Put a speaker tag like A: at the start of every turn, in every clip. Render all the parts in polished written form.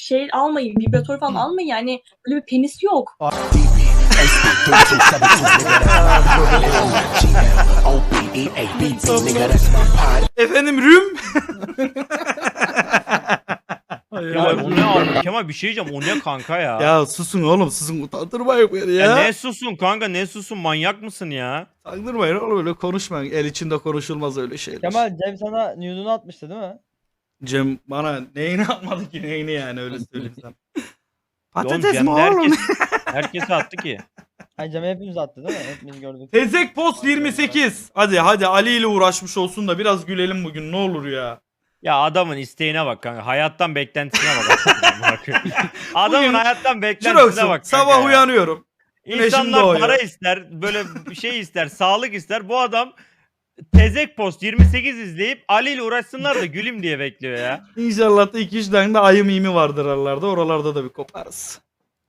A: şey almayın, vibratör falan almayın yani. Böyle bir penis yok.
B: Efendim Rüm?
C: Kemal o ne abi? Kemal bir şey diyeceğim. O ne kanka ya?
B: Ya susun oğlum, susun, utandırmayın beni ya.
C: Ne susun kanka, ne susun, manyak mısın ya?
B: Utandırmayın oğlum, öyle konuşmayın. El içinde konuşulmaz öyle şeyler.
D: Kemal Cem sana nude'unu atmıştı değil mi?
B: Cem bana neyini atmadı ki, neyini yani, öyle söyleyeyim sana.
C: Oğlum
B: Patates
C: Cem
B: mi
C: de
B: oğlum?
C: herkese attı ki.
D: Hayır Cem hepimiz attı değil mi? Hepimiz gördük.
B: Tezek Post 28. Hadi Ali ile uğraşmış olsun da biraz gülelim bugün, ne olur ya.
C: Ya adamın isteğine bak kanka. Hayattan beklentisine bak. Adamın
B: Bugün
C: hayattan beklentisine
B: Şurası,
C: bak kanka
B: sabah
C: ya.
B: uyanıyorum. Güneşim
C: İnsanlar
B: doğuyor.
C: para ister, böyle bir şey ister, sağlık ister. Bu adam Tezek Post 28 izleyip Ali ile uğraşsınlar da gülüm diye bekliyor ya.
B: İnşallah da 2-3 tane de ayı mimi vardır aralarda. Oralarda da bir koparız.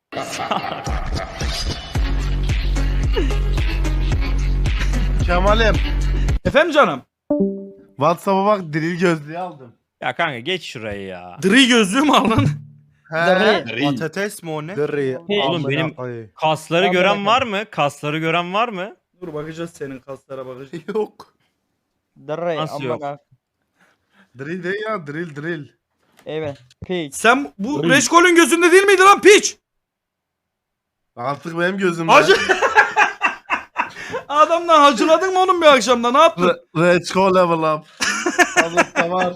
E: Kemal'im.
B: Efendim canım?
E: WhatsApp'a bak, drill gözlüğü aldım.
C: Ya kanka geç şurayı ya.
B: Dri gözlüğü mü aldın?
D: Dri.
E: Patates mi o ne? Dri.
C: Oğlum benim kasları
D: Ben
C: gören
D: merak
C: var mı? Kasları gören var mı?
B: Dur bakacağız, senin kaslara bakacağız.
E: Yok.
D: Dırrey.
C: Nasıl yok?
D: Amına.
E: Drill değil ya, drill.
D: Evet. Piç.
B: Sen bu Reşkol'ün gözünde değil miydi lan piç?
E: Artık benim gözümde.
B: Hacı... Adamdan hacıladın mı oğlum bir akşamda, ne yaptın?
E: Let's go level up. Sağlıkta var.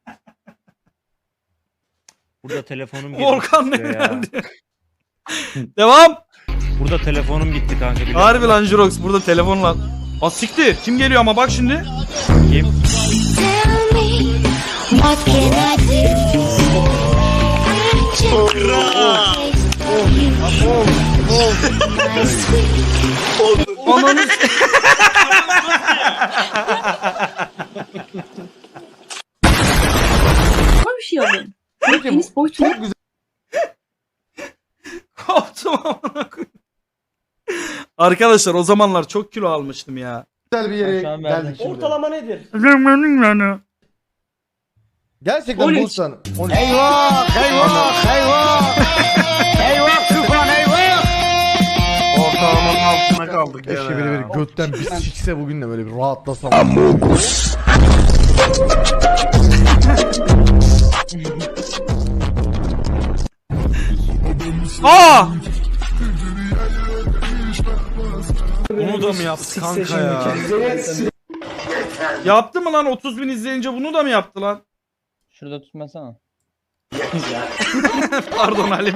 C: Burada telefonum gitti.
B: Volkan ne
C: ya.
B: geldi? Devam.
C: Burada telefonum gitti kanka. biliyor
B: Harbi
C: musun?
B: lan Jirox, burada telefonla. Siktir. Kim geliyor ama bak şimdi.
C: Kim?
F: Tell me, what can I do? I just want to taste you, my sweet.
B: Ananı
A: Böyle bir şey alın. Penis boyutu yok.
B: koptum amına koyayım. Arkadaşlar o zamanlar çok kilo almıştım ya.
E: Güzel bir yere
D: Şu an verdim.
E: geldik şimdi.
G: Ortalama nedir?
E: Gerçekten
A: 13.
E: bulsan. Eyvah! Ortalamanın altına kaldık gene
H: Keşke biri
E: ya.
H: bir götten bir sikse bugün de böyle bir rahatlasam.
B: Aa!
H: Bunu da mı yaptı kanka ya?
B: Yaptı mı lan, 30.000 izleyince bunu da mı yaptı lan?
D: Şurada tutmasana.
B: Pardon Halim.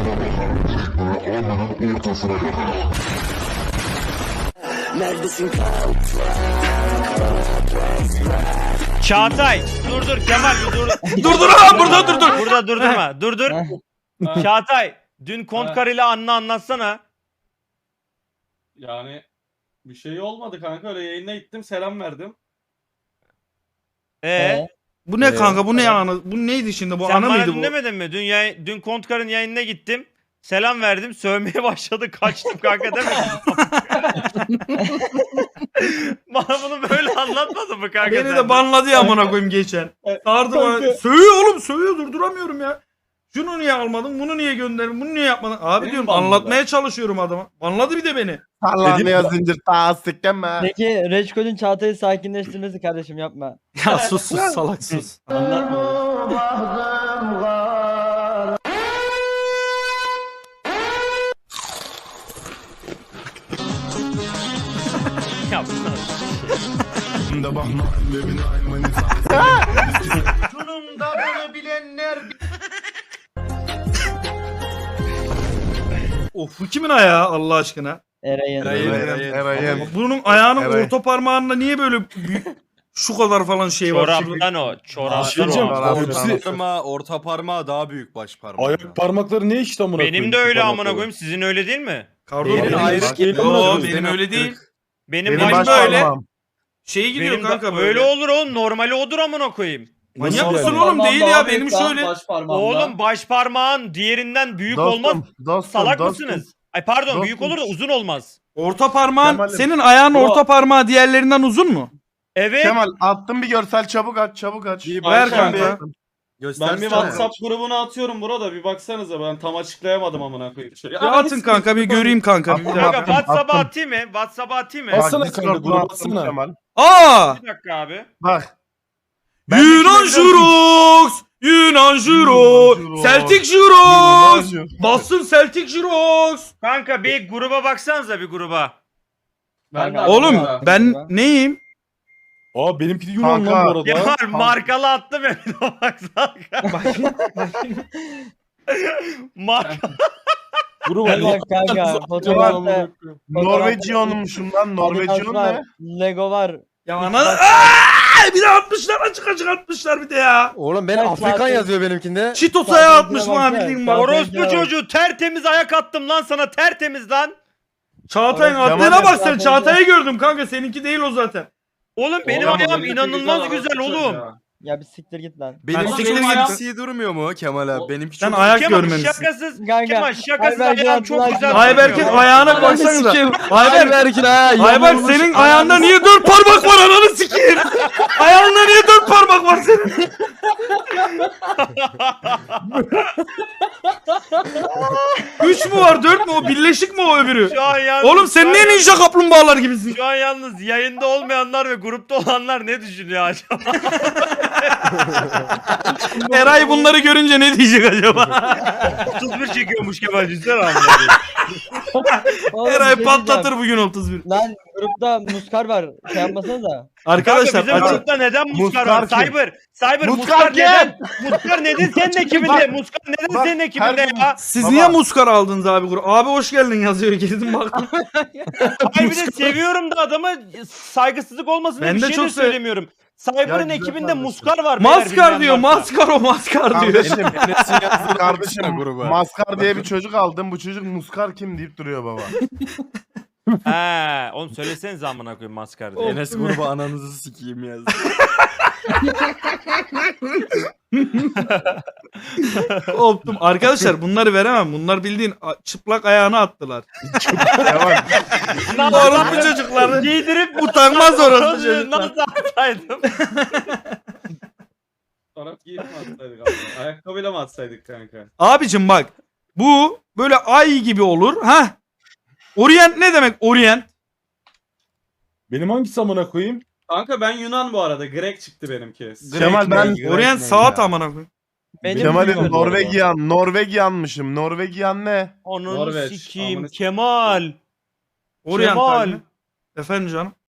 C: Çağatay dur Kemal bir dur.
B: Dur lan, burada dur.
C: Burada durdurma. Dur. Çağatay dün Kontkar ile Anna anlatsana.
G: Yani bir şey olmadı kanka, öyle yayına gittim, selam verdim.
B: Bu ne kanka, bu ne anı? Bu neydi şimdi, bu
C: Sen
B: ana
C: bana
B: mıydı bu?
C: dinlemedin mi? Dün Kontkar'ın yayınına gittim. Selam verdim. Sövmeye başladı. Kaçtım kanka demedin mi? Bana bunu böyle anlatmadın mı kanka?
B: Beni
C: sen
B: de banladı ya amına koyayım geçen. Sardı bana. Sövüyor oğlum, sövüyor, durduramıyorum ya. Şunu niye almadın, bunu niye gönderdin, bunu niye yapmadın? Abi
G: Benim
B: diyorum,
G: banladı.
B: anlatmaya çalışıyorum adama. Banladı bir de beni.
E: Sallanıyor zincir tasdik mi?
D: Peki Reçkol'ün Çağatay'ı sakinleştirmesi kardeşim yapma.
B: Ya sus salak sus.
C: yapsana.
E: Sunumda bunu bilenler
B: Of, bu kimin ayağı Allah aşkına?
D: Eray'ın.
E: Eray'ın.
B: Bunun ayağının
E: Evet.
B: orta parmağında niye böyle büyük, şu kadar falan şey var?
C: Çoraptan o. Çoraptan o.
I: Orta parmağı daha büyük baş parmağı.
H: Ayak parmakları ne işte amına koyayım?
C: Benim de öyle amına koyayım. Sizin öyle değil mi?
B: Pardon,
I: Benim
B: benim
I: ayrı
B: Yo,
I: geliyor.
B: benim öyle değil.
C: Benim
E: Benim
C: baş
E: baş
B: böyle.
E: parmağım.
B: Şey gidiyor
C: Benim
B: kanka
C: de
B: böyle.
C: öyle olur oğlum. Normali odur amına koyayım.
B: Manyak
H: Nasıl
B: mısın
H: yani?
B: oğlum, değil ya, benim şöyle.
G: Baş parmağımda.
C: Oğlum baş parmağın diğerinden büyük olmaz.
E: Dostum,
C: Salak
E: dostum.
C: mısınız? Ay pardon,
E: Dostum.
C: büyük olur da uzun olmaz.
B: Orta parmağın,
E: Kemal'im.
B: senin ayağın
G: Bu-
B: orta parmağı diğerlerinden uzun mu?
C: Evet.
E: Kemal attım bir görsel, çabuk aç.
B: Ver kanka.
G: Ben bir WhatsApp grubuna atıyorum burada bir baksanıza ben tam açıklayamadım amına koyayım.
B: Ya atın kanka bir göreyim kanka. Bir
C: Kanka
B: dakika.
C: WhatsApp'a atayım mı? WhatsApp'a atayım mı?
H: Atsana
E: Bak,
H: kanka,
E: Discord'dan
H: gruba
E: attım
H: atsana.
E: Kemal.
B: Aa!
C: Bir dakika abi.
E: Bak.
B: Yunan Jurox! Yunan Jurox!
E: Jurox.
B: Celtic Jurox! Bassın Celtic Jurox!
C: Kanka bir gruba baksanıza bir gruba.
G: Ben de
B: Oğlum
G: atıyorum.
B: ben neyim?
H: Aa benimki de Yunan
E: Kanka.
H: lan bu arada.
C: Kemal markalı attım ya bir de baksana. Markalı.
H: Gruba
D: Gel bak kanka. Fotoğrafta
E: Norvegian'mışım lan. Norvegian
D: var.
E: ne?
D: Lego var.
B: Ya ana bir de atmışlar açık açık atmışlar bir de ya.
H: Oğlum
D: Ben Afrikan yazıyor
H: benimkinde.
B: Çitosa'ya atmış
D: Zaten
B: bana
D: bak ya,
B: bildiğin
D: zaten-
B: bak.
C: Orospu çocuğu tertemiz ayak attım lan sana tertemiz lan.
B: Çağatay'ın
D: Kemal
B: attığına bak sen.
D: zaten-
B: Çağatay'ı gördüm kanka. Seninki değil o zaten.
C: Oğlum benim
G: Oğlum,
C: ayağım
G: benimki
C: inanılmaz
G: güzel
C: güzel
G: orospu
C: oğlum.
G: çocuğu.
D: Ya bir siktir git lan.
B: Benimki
G: benim ayağım-
I: Benimki durmuyor mu Kemal abi? Benimki
B: Sen
I: çok
B: ayak
C: Kemal
B: görmemişsin.
C: şakasız.
D: Kanka,
C: Kemal şakasız
D: Ayberk'in
C: ayağım çok
D: attılar.
C: güzel.
B: Ayberk'in
C: durmuyor.
B: ayağına baksanıza. Ayberk,
H: ha.
B: Ayberk senin ayağında niye 4 parmak var ananı sikeyim. Ayağında niye 4 parmak var senin? Üç mü var 4 mü o birleşik mi o öbürü?
C: Şu an yalnız,
B: Oğlum sen niye ninja kaplumbağalar gibisin?
C: Şu an yalnız yayında olmayanlar ve grupta olanlar ne düşünüyor acaba?
B: Eray bunları görünce ne diyecek acaba?
C: 31 çekiyormuş Kemal Cüzdan abi.
D: Oğlum, bir
B: Eray
D: şey
B: patlatır
D: diyeceğim.
B: bugün 31.
D: Lan grupta muskar var. Şey yapmasanıza.
B: Arkadaşlar
C: Kanka bizim
B: açık.
C: grupta neden Muskar var?
E: Muskar kim?
C: Cyber
E: Muskar
C: Muskar
E: kim?
C: neden? Muskar neden senin ekibinde? Muskar neden
E: bak,
C: senin ekibinde
E: her gün-
C: ya?
B: Siz
E: Baba.
B: niye muskar aldınız abi grup? Abi hoş geldin yazıyor girdim baktım.
C: Hayır bir de seviyorum da adamı saygısızlık olmasın diye
B: Ben
C: bir
B: de
C: şey
B: çok
C: de
B: sev-
C: söylemiyorum. Cyber'ın
E: Ya güzel
C: ekibinde
E: kardeşim.
C: Muskar var. beyler,
B: Maskar
C: bilmeyen
B: diyor
C: varsa.
B: maskar o maskar diyor.
E: Kardeşim,
I: Enes'in yazdığı
E: kardeşim
I: gruba.
E: Maskar diye bir çocuk aldım. Bu çocuk Muskar kim deyip duruyor baba.
C: He, oğlum söylesenize amına koyayım Maskar diye.
I: Enes gruba ananızı sikeyim yazdı.
B: Optum. Arkadaşlar bunları veremem. Bunlar bildiğin çıplak ayağını attılar.
E: Devam.
B: Orospu çocukları.
C: Giydirip
B: Utanmaz orospu çocuklar.
C: Nasıl atsaydım?
G: Çorap giyip mi atsaydık abi? Ayakkabıyla mı atsaydık kanka?
B: Abicim bak. Bu böyle ay gibi olur. Ha? Orient ne demek Orient?
H: Benim hangisi amına koyayım?
G: Kanka ben Yunan bu arada. Grek çıktı benimki.
E: Kemal ben
B: Orient saat amına koyayım.
D: Benim
E: Kemal'im
D: bilmiyorum.
E: Norvegian'mışım. Norvegian ne?
C: Onun
G: Norveç,
C: sikiyim
G: amına-
C: Kemal.
B: Orient
C: Kemal.
B: abi. Efendim canım.